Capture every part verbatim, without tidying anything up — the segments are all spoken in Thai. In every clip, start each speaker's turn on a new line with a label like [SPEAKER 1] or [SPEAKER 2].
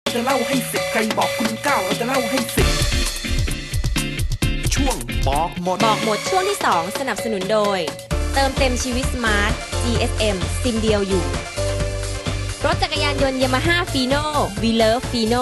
[SPEAKER 1] จะเล่าให้สิบใครบอกคุณเก้าเราจะเล่าให้สิบช่วงบอกหมด
[SPEAKER 2] บอกหมดช่วงที่สองสนับสนุนโดยเติมเต็มชีวิตสมาร์ท จี เอส เอ็ม ซิมเดียวอยู่รถจักรยานยนต์ Yamaha Fino We Love Fino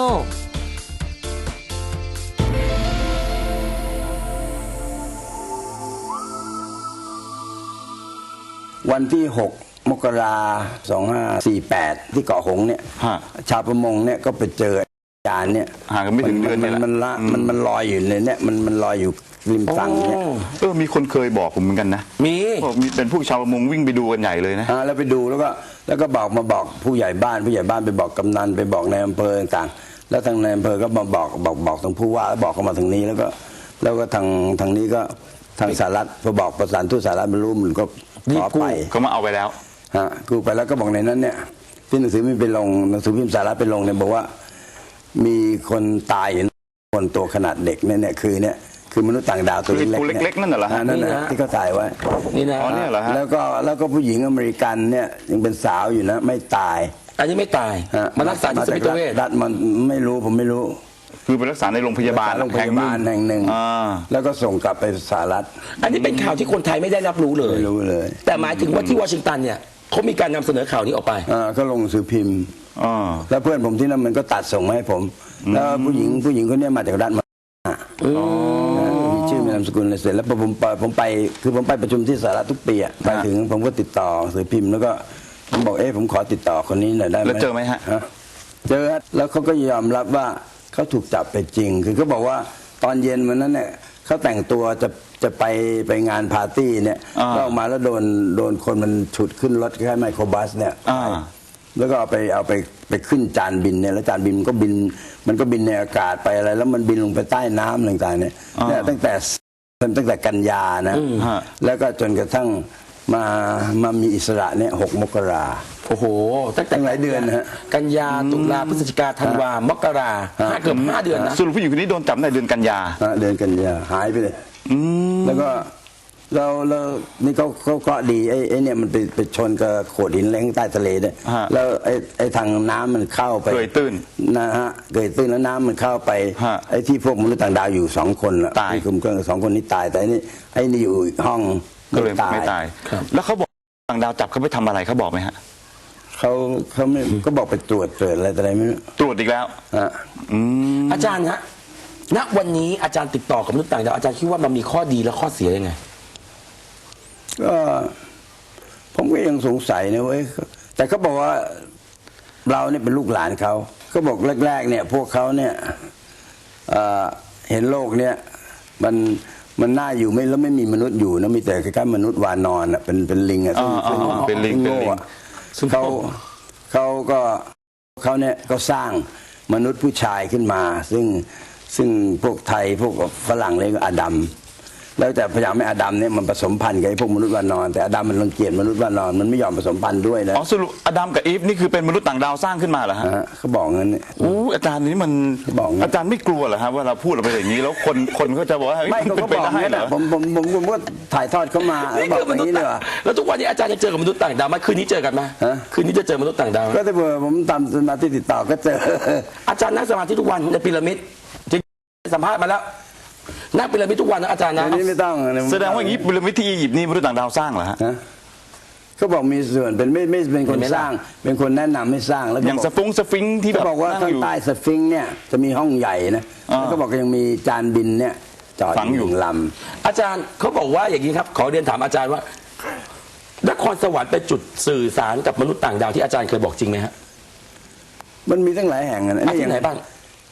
[SPEAKER 3] วันที่หกมกราสองห้าสี่แปดที่เกาะหงเนี่ยชาวประมงเนี่ยก็ไปเจอจานเนี่ย
[SPEAKER 4] ห่างกันไม่ถึงเดือนนี่แหละ
[SPEAKER 3] มันละมันมันลอยอยู่ในเนี่ยมันมันลอยอยู่ริมฝั่งเนี่ย
[SPEAKER 4] เออมีคนเคยบอกผมเหมือนกันนะ
[SPEAKER 5] มี
[SPEAKER 4] มีเป็นผู้ชาวประมงวิ่งไปดูกันใหญ่เลยนะ
[SPEAKER 3] แล้วไปดูแล้วก็แล้วก็บอกมาบอกผู้ใหญ่บ้านผู้ใหญ่บ้านไปบอกกำนันไปบอกในอำเภอต่างๆแล้วทางในอำเภอก็มาบอกบอกบอกทางผู้ว่าแล้วบอกเข้ามาทางนี้แล้วก็แล้วก็ทางทางนี้ก็ทางสหรัฐพอบอกประสานทูตสหรัฐบรรลุมันก็ขอไป
[SPEAKER 4] เขามาเอาไปแล้ว
[SPEAKER 3] ฮะกูไปแล้วก็บอกในนั้นเนี่ยที่หนังสือพิมพ์ไปลงหนังสือพิมพ์สหรัฐไปลงเนี่ยบอกว่ามีคนตายอยู่คนตัวขนาดเด็กเนี่ยเนี่ยคือเนี่ยคือมนุษย์ต่างดาวตัว
[SPEAKER 4] เล็กๆนั่นเหรอฮะ
[SPEAKER 3] นั่นนะที่เขาถ่ายไว้
[SPEAKER 5] นี่นะ
[SPEAKER 4] อ๋อเนี่ยเหรอฮะ
[SPEAKER 3] แล้วก็แล้วก็ผู้หญิงอเมริกันเนี่ยยังเป็นสาวอยู่นะไม่ตาย
[SPEAKER 5] อันนี้ไม่ตายมารักษาที่สมิติเวช
[SPEAKER 3] รัฐมันไม่รู้ผมไม่รู้
[SPEAKER 4] คือไปรักษาในโรงพยาบาล
[SPEAKER 3] โรงพยาบาลแห่งหนึ่งแล้วก็ส่งกลับไปสหรัฐ
[SPEAKER 5] อันนี้เป็นข่าวที่คนไทยไม่ได้รับรู้เลย
[SPEAKER 3] ไม่รู้เลย
[SPEAKER 5] แต่หมายถึงว่าที่วอชิงตันเนี่ยเขามีการนำเสนอข่าวนี้ออกไป
[SPEAKER 3] อ่าก็ลงสือพิมพ์แล้วเพื่อนผมที่นั่นมันก็ตัดส่งมาให้ผมแล้วผู้หญิงผู้หญิงคนนี้มาจากรัฐมามีชื่อมีนามสกุลอะไรเสร็จแล้วผมไปผมไปคือผมไปประชุมที่สหรัฐทุกปีอ่ะไปถึงผมก็ติดต่อสือพิมพ์แล้วก็ผมบอกเอ๊ะผมขอติดต่อคนนี้หน่อยได้ไหม
[SPEAKER 4] แล้วเจอไหมฮะ
[SPEAKER 3] เจอแล้วเขาก็ยอมรับว่าเขาถูกจับไปจริงคือเขาบอกว่าตอนเย็นวันนั้นเนี่ยเขาแต่งตัวจะจะไปไปงานปาร์ตี้เนี่ยก็ออกมาแล้วโดนโดนคนมันฉุดขึ้นรถคล้ายไมโครบัสเนี่ยแล้วก็เอาไปเอาไปไปขึ้นจานบินเนี่ยแล้วจานบินมันก็บินมันก็บินในอากาศไปอะไรแล้วมันบินลงไปใต้น้ำต่างๆเนี่ยเนี่ยตั้งแต่ตั้งแต่กันยานะแล้วก็จนกระทั่งมามามีอิสระเนี่ยหกมกรา
[SPEAKER 5] โอ้โหตั้งแต่
[SPEAKER 3] หลายเดือนนะฮะ
[SPEAKER 5] กันยาตุลาพฤศจิกาธันวามกราเกือบห้าเดือนนะ
[SPEAKER 4] สรุปผู้หญิงคนนี้โดนจับในเดือนกันยา
[SPEAKER 3] เดือนกันยาหายไปเลยแล้วก็เราเรานี่เขาเขาเคราะห์ดีไอ้ไอ้เนี่ยมันไปไปชนกับโขดหินแรงใต้ทะเลเนี่ยแล้วไอ้ไอ้ทางน้ำมันเข้าไป
[SPEAKER 4] เกยตื้น
[SPEAKER 3] นะฮะเกยตื้นแล้วน้ำมันเข้าไปไอ้ที่พวกมนุษย์ต่างดาวอยู่สองคนละ
[SPEAKER 4] ตาย
[SPEAKER 3] คุมเครื่องสองคนนี้ตายแต่นี่ไอ้นี่อยู่อีกห้อง
[SPEAKER 4] ก็เลยไม่ตายแล้วเขาบอกต่างดาวจับเขาไปทำอะไรเขาบอกไหมฮะ
[SPEAKER 3] เขาเขาไม่ก็บอกไปตรวจตรวจอะไรอะไรไม่รู้
[SPEAKER 4] ตรวจอีกแล้ว
[SPEAKER 3] อ่ะ
[SPEAKER 5] อาจารย์ฮะณวันนี้อาจารย์ติดต่อกับมนุษย์ต่างดาวอาจารย์คิดว่ามันมีข้อดีและข้อเสียยังไง
[SPEAKER 3] ก็ผมก็ยังสงสัยนะเว้ยแต่เขาบอกว่าเราเนี่ยเป็นลูกหลานเขาเขาบอกแรกๆเนี่ยพวกเขาเนี่ยเห็นโลกเนี่ยมันมันน่าอยู่ไม่แล้วไม่มีมนุษย์อยู่นะมีแต่แค่มนุษย์วานอนอ่ะเป็นเป็นลิงอ่ะ
[SPEAKER 4] เป็นลิงเป็นลิง
[SPEAKER 3] เขาเขาก็เขาเนี่ยก็สร้างมนุษย์ผู้ชายขึ้นมาซึ่งซึ่งพวกไทยพวกฝรั่งเรียกอาดัมแล้วแต่พยายามให้อาดัมเนี่ยมันผสมพันธุ์กับพวกมนุษย์วานอนแต่อาดัมมันรังเกียจมนุษย์วานอนมันไม่ยอมผสมพันธุ์ด้วยนะ
[SPEAKER 4] อ๋อสรุปอาดัมกับอีฟนี่คือเป็นมนุษย์ต่างดาวสร้างขึ้นมาเหรอฮะ
[SPEAKER 3] เขาบอกงั้นเนี่ย
[SPEAKER 4] โอ้อาจารย์นี่มันอาจารย์ไม่กลัวเหรอฮะว่าเราพูดออกไปอย่างนี้แล้วคนคนก็จะบอกว่า
[SPEAKER 3] ไม่เขาบอกงั้นผมผมผมผมก็ถ่ายทอดเข้ามาบอกอย่างนี้เลย
[SPEAKER 5] แล้วทุกวันนี้อาจารย์จะเจอกับมนุษย์ต่างดาวไหมคืนนี้เจอกันไหมคืนนี้จะเจอมนุษย์ต่างดาว
[SPEAKER 3] ก็ถ้าเผื่อผมทำสมาธิติดต่อก็เจอ
[SPEAKER 5] อาจารย์นั่งสมาธิทุกวันในพีระมิดสัมภาษณ์มาแล้วนักพีระมิดทุกวันนะอาจารย์นะ
[SPEAKER 3] นี่ไม่ต้อง
[SPEAKER 4] แสดงว่าอย่างนี้พีระมิดที่อียิปต์นี่มนุษย์ต่างดาวสร้างเหรอฮะ
[SPEAKER 3] เขาบอกมีส่วนเป็นไม่ไม่เป็นคนสร้างเป็นคนแนะนำให้สร้างแล้ว
[SPEAKER 4] อย่างสฟิงสฟิงที่
[SPEAKER 3] เขาบอกว่าข้างใต้สฟิงเนี่ยจะมีห้องใหญ่นะแล้วก็บอกยังมีจานบินเนี่ยจอดอยู่ล
[SPEAKER 5] ำอาจารย์เขาบอกว่าอย่างนี้ครับขอเรียนถามอาจารย์ว่านครสวรรค์เป็นจุดสื่อสารกับมนุษย์ต่างดาวที่อาจารย์เคยบอกจริงไหมฮะ
[SPEAKER 3] มันมีทั้งหลายแห่งนะ
[SPEAKER 5] ที่ไหนบ้าง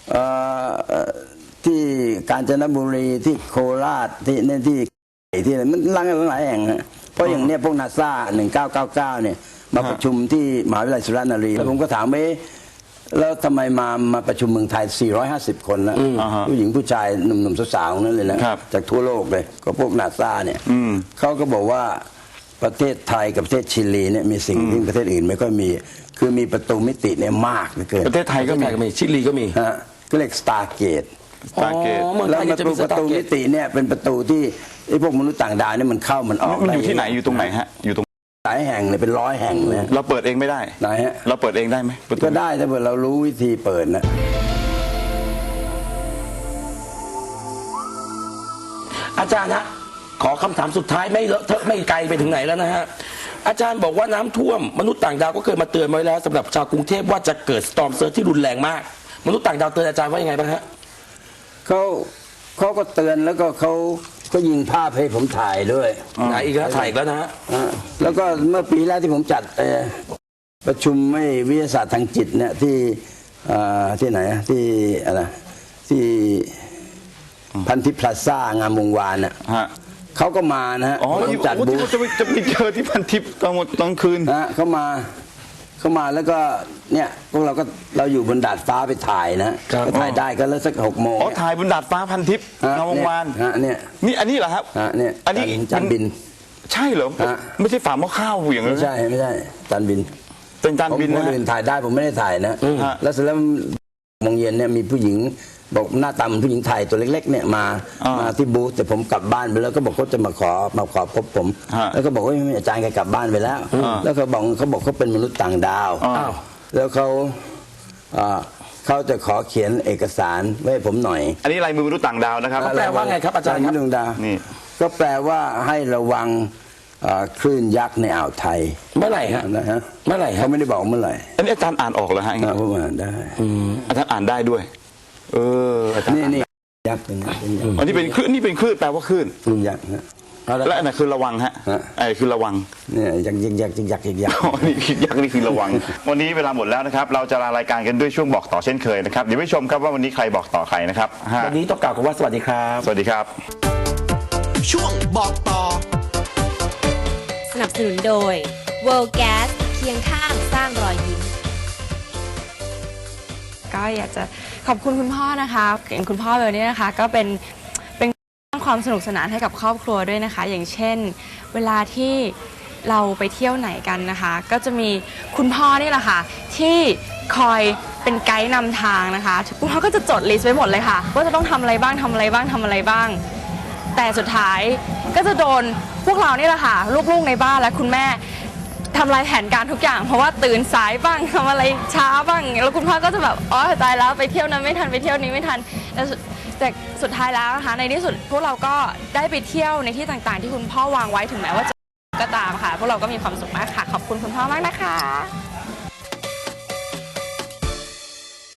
[SPEAKER 3] ที่กาญจนบุรีที่โคราชที่เนี่ยที่ที่อะไรมันหลายหลายแห่งนะเพราะอย่างเนี้ยพวกนาซาหนึ่งเก้าเก้าเก้าเนี่ยมาประชุมที่มหาวิทยาลัยสุรนารีแล้วผมก็ถามว่าแล้วทำไมมามาประชุมเมืองไทยสี่ร้อยห้าสิบคนนะผู้หญิงผู้ชายหนุ่มๆสาวๆนั่นเลยนะจากทั่วโลกเลยก็พวกนาซาเนี่ยเขาก็บอกว่าประเทศไทยกับประเทศชิลีเนี่ยมีสิ่งที่ประเทศอื่นไม่ค่อยมีคือมีประตูมิติเนี่ยมากเหลือเกิน
[SPEAKER 5] ประเทศไทยก็มีชิลีก็มี
[SPEAKER 3] ฮะก็เรียกสตาร์เกต
[SPEAKER 4] สตาร์เกต
[SPEAKER 3] แล้วประตูประตูมิติเนี่ยเป็นประตูที่ไอ้พวกมนุษย์ต่างดาวเนี่ยมันเข้ามันออก
[SPEAKER 4] มันอยู่ที่ไหนอยู่ตรงไหนฮะอยู่ตรง
[SPEAKER 3] หลายแห่งเลยเป็นร้อยแห่งเลย
[SPEAKER 4] เราเปิดเองไม่ได้
[SPEAKER 3] ไหนฮะ
[SPEAKER 4] เราเปิดเองได้ไหมประตู
[SPEAKER 3] ก็ได้ถ้าเกิดเรารู้วิธีเปิดนะ
[SPEAKER 5] อาจารย์ฮะขอคำถามสุดท้ายไม่เลอะเทอะไม่ไกลไปถึงไหนแล้วนะฮะอาจารย์บอกว่าน้ำท่วมมนุษย์ต่างดาวก็เคยมาเตือนไว้แล้วสำหรับชาวกรุงเทพว่าจะเกิดสตอร์มเซิร์ชที่รุนแรงมากมนุษย์ต่างดาวเตือนอาจารย์ว่ายังไงบ้างฮะ
[SPEAKER 3] เขาเขาก็เตือนแล้วก็เขาก็ยิงภาพให้ผมถ่ายด้วย
[SPEAKER 5] ไหนอีกแล้วถ่ายอีกแล้วนะฮะ
[SPEAKER 3] อ่าแล้วก็เมื่อปีแรกที่ผมจัดเอ่อประชุมไม่วิทยาศาสตร์ทางจิตเนี่ยที่อ่าที่ไหนอะที่อะไรที่พันธิพลาซ่างามวงวานน่ะ
[SPEAKER 4] ฮะ
[SPEAKER 3] เขาก็มานะฮะ
[SPEAKER 4] อ๋อ
[SPEAKER 3] ผม
[SPEAKER 4] ที่
[SPEAKER 3] จัด
[SPEAKER 4] โอ้
[SPEAKER 3] บู
[SPEAKER 4] ที่
[SPEAKER 3] ธ
[SPEAKER 4] เขาจะไปจะไปเจอที่พันทิพย์ตอนหมดตอนคืน
[SPEAKER 3] นะฮะเขามาเขามาแล้วก็เนี่ยพวกเราก็เราอยู่บนดาดฟ้าไปถ่ายนะก็ถ่ายได้ก็แล้วสักหกโมง
[SPEAKER 4] อ๋อถ่ายบนดาดฟ้าพันทิพย์
[SPEAKER 3] ฮะ
[SPEAKER 4] งามวงวาน
[SPEAKER 3] ฮะเนี่ย
[SPEAKER 4] นี่อันนี้เหรอครับ
[SPEAKER 3] ฮะเนี่ย
[SPEAKER 4] อันนี้
[SPEAKER 3] จานบิน
[SPEAKER 4] ใช่เหรอ
[SPEAKER 3] ฮะ
[SPEAKER 4] ไม่ใช่ฝาหม้อข้าวอย่างนั้
[SPEAKER 3] ไม่
[SPEAKER 4] น
[SPEAKER 3] ใช่ไม่ใช่จานบิน
[SPEAKER 4] เป็นจาน
[SPEAKER 3] ผม
[SPEAKER 4] บิน
[SPEAKER 3] ค
[SPEAKER 4] นะ
[SPEAKER 3] นอื่นถ่ายได้ผมไม่ได้ถ่ายนะ
[SPEAKER 4] ฮะ
[SPEAKER 3] แล้วเสร็จแล้วโมงเย็นเนี่ยมีผู้หญิงบอกหน้าตาเหมือนผู้หญิงไทยตัวเล็กๆเนี่ยมา
[SPEAKER 4] อ่าม
[SPEAKER 3] มาที่บูธแต่ผมกลับบ้านไปแล้วก็บอกเขาจะมาขอมาขอพบผม
[SPEAKER 4] ฮะ
[SPEAKER 3] แล้วก็บอกว่าไม่อาจารย์แกกลับบ้านไปแล้ว
[SPEAKER 4] อ่า
[SPEAKER 3] แล้วเขาบอกเขาบอกเขาเป็นมนุษย์ต่างดาว
[SPEAKER 4] อ้าว
[SPEAKER 3] แล้วเขาอ่าเขาจะขอเขียนเอกสารไว้ให้ผมหน่อย
[SPEAKER 4] อันนี้ลายมือมนุษย์ต่างดาวนะครับ
[SPEAKER 5] แปลว่าไงครับอาจารย์ครับ
[SPEAKER 3] มนุษย์ต่างดาว
[SPEAKER 4] นี่
[SPEAKER 3] ก็แปลว่าให้ระวังอ่าคลื่นยักษ์ในอ่าวไทย
[SPEAKER 5] เมื่อไหร่ฮะ
[SPEAKER 3] นะฮะ
[SPEAKER 5] เมื่อไหร่ฮะ
[SPEAKER 3] เขาไม่ได้บอกเมื่อไหร่
[SPEAKER 4] อันนี้อาจารย์อ่านออกเหรอฮะ
[SPEAKER 3] อ่าผมอ่านได้
[SPEAKER 4] อาจารย์อ่านได้ด้วย เอออาจารย์
[SPEAKER 3] นี่
[SPEAKER 4] อ่าน
[SPEAKER 3] นี่
[SPEAKER 4] ได้
[SPEAKER 3] ยักษ์เป็นยักษ์เป็นยักษ์
[SPEAKER 4] อันนี้เป็นคลื่นนี่เป็นคลื่นแปลว่าคลื่น
[SPEAKER 3] คลื่นยักษ์ฮะ
[SPEAKER 4] และอันไหนคือระวังฮะ
[SPEAKER 3] ฮะ
[SPEAKER 4] ไอ้คือระวัง
[SPEAKER 3] เนี่ยยักษ์ยักษ์ยักษ์ยักษ์ยักษ์ยักษ์
[SPEAKER 4] อ๋อนี่คือยักษ์นี่คือระวัง วันนี้เวลาหมดแล้วนะครับ เราจะลารายการกันด้วยช่วงบอกต่อเช่นเคยนะครับ เดี๋ยวไปชมครับว่าวันนี้ใครบอกต่อใครนะครับฮะ
[SPEAKER 5] วันนี้ต้องกล่าวคำว่าสวัสดีครับ
[SPEAKER 4] สวัสดีครับ
[SPEAKER 1] ช่วงบอกต่อ
[SPEAKER 2] สนับสนุนโดย World Gas เคียงข้างสร้างรอยยิ้ม
[SPEAKER 6] ก็อยากจะขอบคุณคุณพ่อนะคะอย่างคุณพ่อเบลเนี่ยนะคะก็เป็นเป็นสร้างความสนุกสนานให้กับครอบครัวด้วยนะคะ อย่างเช่น เวลาที่เราไปเที่ยวไหนกันนะคะ ก็จะมีคุณพ่อนี่แหละค่ะที่คอยเป็นไกด์นำทางนะคะคุณพ่อก็จะจดลิสต์ไว้หมดเลยค่ะว่าจะต้องทำอะไรบ้างทำอะไรบ้างทำอะไรบ้าง แต่สุดท้ายก็จะโดนพวกเรานี่แหละค่ะลูกๆในบ้านและคุณแม่ทำลายแผนการทุกอย่างเพราะว่าตื่นสายบ้างทำอะไรช้าบ้างแล้วคุณพ่อก็จะแบบอ๋อตายแล้วไปเที่ยวนั้นไม่ทันไปเที่ยวนี้ไม่ทันแต่สุดแต่สุดท้ายแล้วนะคะในที่สุดพวกเราก็ได้ไปเที่ยวในที่ต่างๆ ที่คุณพ่อวางไว้ถึงแม้ว่าจะก็ตามค่ะพวกเราก็มีความสุขมากค่ะขอบคุณคุณพ่อมากนะคะ